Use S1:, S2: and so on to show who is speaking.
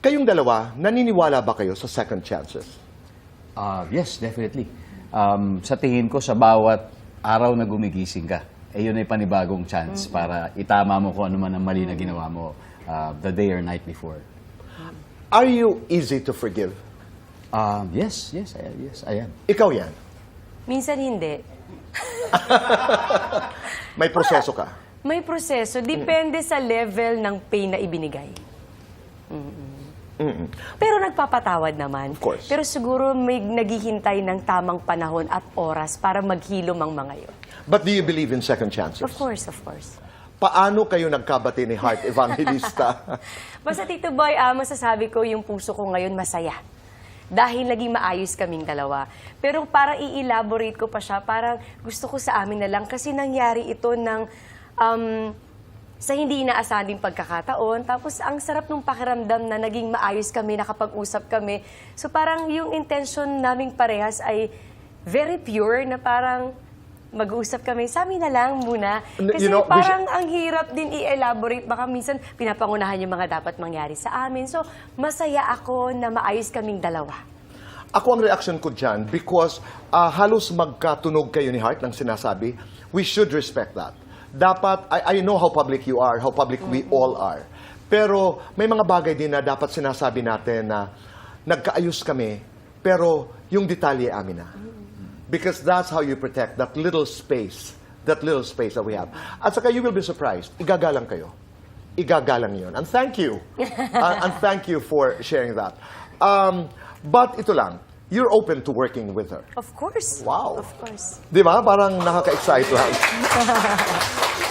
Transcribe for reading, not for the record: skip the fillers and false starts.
S1: Kayong dalawa, naniniwala ba kayo sa second chances?
S2: Yes, definitely. Sa tingin ko, sa bawat araw na gumigising ka, yun ay panibagong chance para itama mo kung ano man ang mali na ginawa mo the day or night before.
S1: Are you easy to forgive?
S2: Yes, I am.
S1: Ikaw yan.
S3: Minsan hindi.
S1: May proseso ka.
S3: May proseso. Depende sa level ng pain na ibinigay. Pero nagpapatawad naman.
S1: Of course.
S3: Pero siguro may naghihintay ng tamang panahon at oras para maghilom ang mga yun.
S1: But do you believe in second chances?
S3: Of course, of course.
S1: Paano kayo nagkabati ni Heart Evangelista?
S3: Basta Tito Boy, masasabi ko yung puso ko ngayon masaya. Dahil naging maayos kaming dalawa. Pero parang i-elaborate ko pa siya, parang gusto ko sa amin na lang kasi nangyari ito ng sa hindi inaasahan pagkakataon. Tapos ang sarap nung pakiramdam na naging maayos kami, nakapag-usap kami. So parang yung intention naming parehas ay very pure na parang mag-uusap kami, sa amin na lang muna. Kasi parang ang hirap din i-elaborate. Baka minsan pinapangunahan yung mga dapat mangyari sa amin. So, masaya ako na maayos kaming dalawa.
S1: Ako ang reaction ko dyan because halos magkatunog kayo ni Heart ng sinasabi. We should respect that. Dapat, I know how public you are, how public we all are. Pero may mga bagay din na dapat sinasabi natin na nagkaayos kami, pero yung detalye amin na. Because that's how you protect that little space that we have. At saka you will be surprised. Igagalang kayo. Igagalang yun. And thank you. And thank you for sharing that. But ito lang, you're open to working with her.
S3: Of course.
S1: Wow.
S3: Of course.
S1: Di ba? Parang nakaka-excite lang.